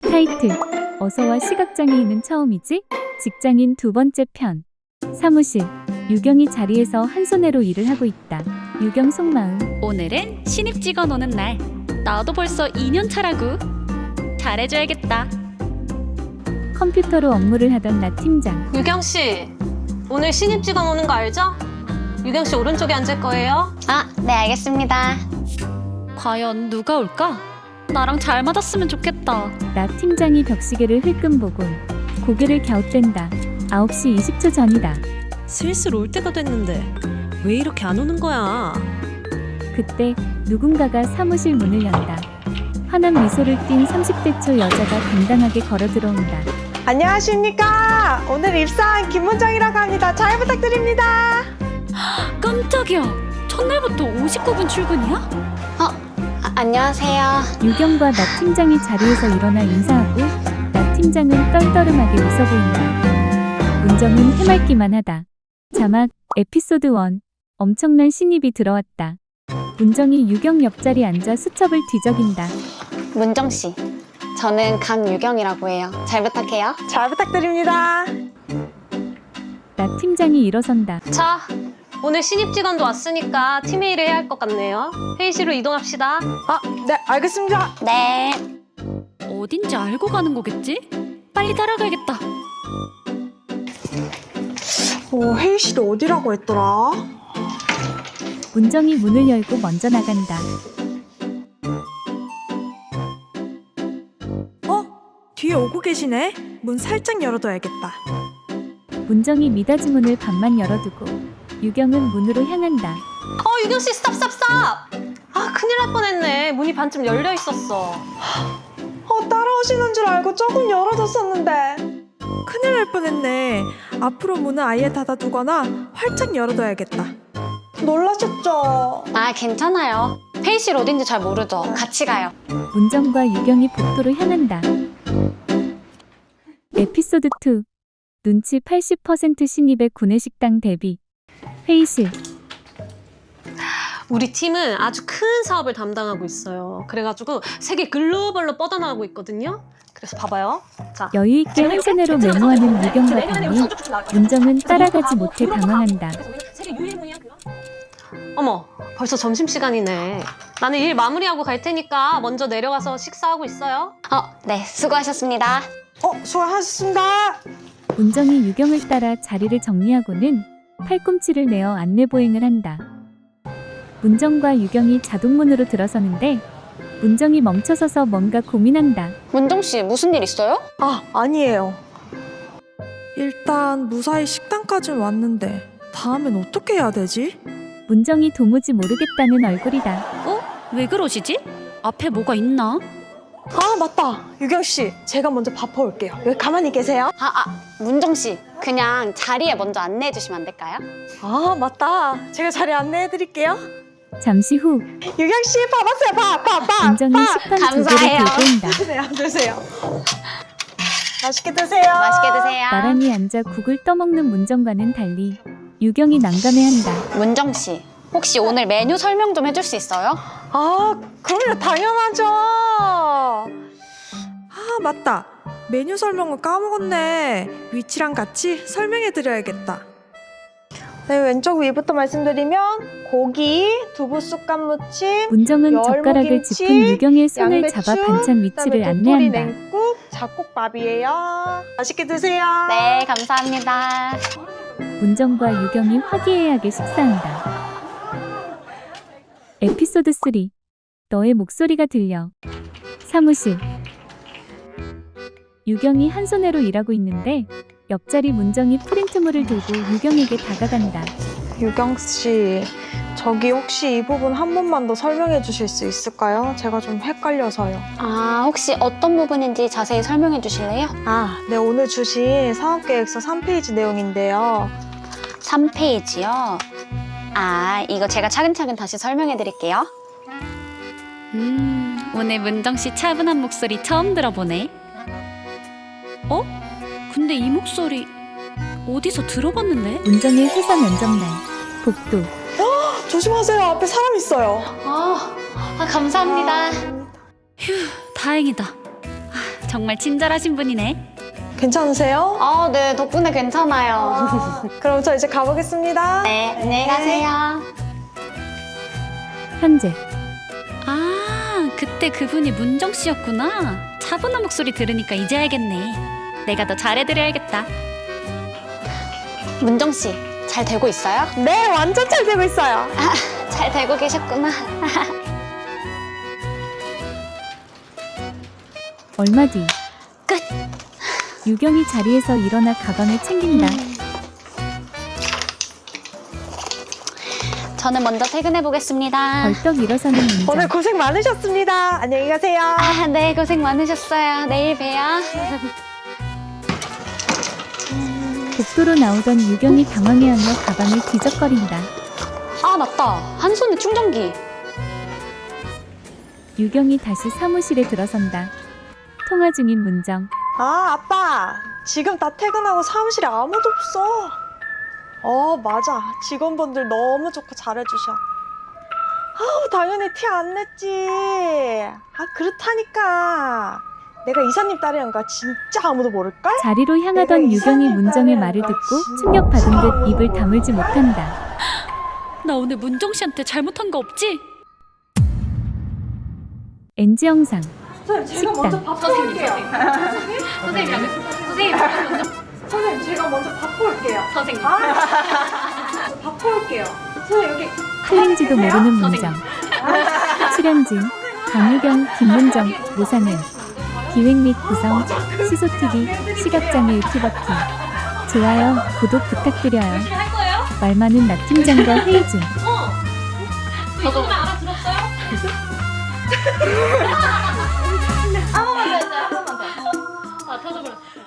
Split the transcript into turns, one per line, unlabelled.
타이틀 어서와 시각장애인은 처음이지? 직장인 두 번째 편. 사무실. 유경이 자리에서 한 손으로 일을 하고 있다. 유경 속마음.
오늘은 신입 직원 오는 날. 나도 벌써 2년 차라고. 잘해줘야겠다.
컴퓨터로 업무를 하던 나 팀장.
유경 씨, 오늘 신입 직원 오는 거 알죠? 유경 씨 오른쪽에 앉을 거예요.
네, 알겠습니다.
과연 누가 올까? 나랑 잘 맞았으면 좋겠다.
나 팀장이 벽시계를 흘끔 보곤 고개를 갸웃댄다. 9시 20초 전이다.
슬슬 올 때가 됐는데 왜 이렇게 안 오는 거야?
그때 누군가가 사무실 문을 연다. 환한 미소를 띤 30대 초 여자가 당당하게 걸어 들어온다.
안녕하십니까. 오늘 입사한 김문정이라고 합니다. 잘 부탁드립니다.
깜짝이야. 첫날부터 59분 출근이야?
안녕하세요.
유경과 나 팀장이 자리에서 일어나 인사하고 나 팀장은 떨떠름하게 웃어 보인다. 문정은 해맑기만 하다. 자막 에피소드 1. 엄청난 신입이 들어왔다. 문정이 유경 옆자리에 앉아 수첩을 뒤적인다.
문정 씨, 저는 강유경이라고 해요. 잘 부탁해요.
잘 부탁드립니다.
나 팀장이 일어선다.
자, 오늘 신입 직원도 왔으니까 팀회의를 해야 할 것 같네요. 회의실로 이동합시다.
네, 알겠습니다.
네.
어딘지 알고 가는 거겠지? 빨리 따라가야겠다.
회의실이 어디라고 했더라?
문정이 문을 열고 먼저 나간다.
뒤에 오고 계시네. 문 살짝 열어둬야겠다.
문정이 미닫이 문을 반만 열어두고 유경은 문으로 향한다.
유경 씨, 스탑! 큰일 날 뻔했네. 문이 반쯤 열려 있었어.
따라오시는 줄 알고 조금 열어뒀었는데. 큰일 날 뻔했네. 앞으로 문은 아예 닫아두거나 활짝 열어둬야겠다. 놀라셨죠?
괜찮아요. 회의실 어딘지 잘 모르죠. 같이 가요.
문정과 유경이 복도로 향한다. 에피소드 2. 눈치 80% 신입의 구내식당 대비. 회의실.
우리 팀은 아주 큰 사업을 담당하고 있어요. 그래가지고 세계 글로벌로 뻗어나가고 있거든요. 그래서 봐봐요. 자,
여유있게 한 손으로 메모하는 유경과 달리 문정은 따라가지 못해 당황한다.
어머, 벌써 점심시간이네. 나는 일 마무리하고 갈 테니까 먼저 내려가서 식사하고 있어요.
네, 수고하셨습니다.
수고하셨습니다.
문정이 유경을 따라 자리를 정리하고는 팔꿈치를 내어 안내보행을 한다. 문정과 유경이 자동문으로 들어서는데 문정이 멈춰서서 뭔가 고민한다.
문정 씨, 무슨 일 있어요?
아니에요. 일단 무사히 식당까지 왔는데 다음엔 어떻게 해야 되지?
문정이 도무지 모르겠다는 얼굴이다.
왜 그러시지? 앞에 뭐가 있나?
맞다. 유경 씨, 제가 먼저 밥 퍼올게요. 여기 가만히 계세요.
문정 씨, 그냥 자리에 먼저 안내해 주시면 안 될까요?
맞다. 제가 자리 안내해드릴게요.
잠시 후
유경 씨, 밥 왔어요. 밥.
문정이 식판 두 개를
감사해요.
들고 온다.
드세요. 맛있게 드세요.
맛있게 드세요.
나란히 앉아 국을 떠먹는 문정과는 달리 유경이 난감해한다.
문정 씨, 혹시 오늘 메뉴 설명 좀 해줄 수 있어요?
그럼요. 당연하죠. 맞다. 메뉴 설명을 까먹었네. 위치랑 같이 설명해드려야겠다. 네, 왼쪽 위부터 말씀드리면 고기, 두부 쑥갓 무침,
문정은
열무김치,
젓가락을 짚은 유경의 손을
양배추,
잡아 반찬 위치를
그다음에 도토리
안내한다.
냉국, 잡곡밥이에요. 맛있게 드세요.
네, 감사합니다.
문정과 유경이 화기애애하게 식사한다. 에피소드 3. 너의 목소리가 들려. 사무실. 유경이 한 손으로 일하고 있는데 옆자리 문정이 프린트물을 들고 유경에게 다가간다.
유경 씨, 저기 혹시 이 부분 한 번만 더 설명해 주실 수 있을까요? 제가 좀 헷갈려서요.
혹시 어떤 부분인지 자세히 설명해 주실래요?
네, 오늘 주신 사업계획서 3페이지 내용인데요.
3페이지요? 이거 제가 차근차근 다시 설명해 드릴게요.
오늘 문정 씨 차분한 목소리 처음 들어보네. 근데 이 목소리 어디서 들어봤는데?
문정의 회사 면접날. 복도.
조심하세요. 앞에 사람 있어요.
감사합니다.
다행이다. 정말 친절하신 분이네.
괜찮으세요?
네, 덕분에 괜찮아요.
그럼 저 이제 가보겠습니다.
네, 안녕히 가세요.
현재
아, 그때 그분이 문정 씨였구나. 차분한 목소리 들으니까 이제 알겠네. 내가 더 잘해드려야겠다.
문정 씨, 잘 되고 있어요?
네, 완전 잘 되고 있어요.
잘 되고 계셨구나.
얼마 뒤
끝.
유경이 자리에서 일어나 가방을 챙긴다.
저는 먼저 퇴근해 보겠습니다.
벌떡 일어서는 문정.
오늘 고생 많으셨습니다. 안녕히 가세요.
네, 고생 많으셨어요. 내일 봬요.
복도로 나오던 유경이 당황해하며 가방을 뒤적거린다.
아, 맞다. 한 손에 충전기.
유경이 다시 사무실에 들어선다. 통화 중인 문정.
아빠. 지금 다 퇴근하고 사무실에 아무도 없어. 맞아. 직원분들 너무 좋고 잘해주셔. 당연히 티 안 냈지. 그렇다니까. 내가 이사님 딸이란 거 진짜 아무도 모를걸?
자리로 향하던 유경이 문정의 말을 듣고 충격받은 듯 입을 다물지 못한다.
나 오늘 문정 씨한테 잘못한 거 없지?
NG 영상.
제가 먼저 밥 볼게요. 선생님, 제가 먼저 밥 볼게요.
선생님.
밥 볼게요. 선생님, 여기.
틀린지도 모르는 문정. 출연진 강유경, 김문정, 노상은. 기획 및 구성 시소TV 시각장애 유튜버팀. 좋아요, 구독 부탁드려요. 말 많은 나 팀장과 회의 중.
저도 알아들었어요? 아, 터져버렸어.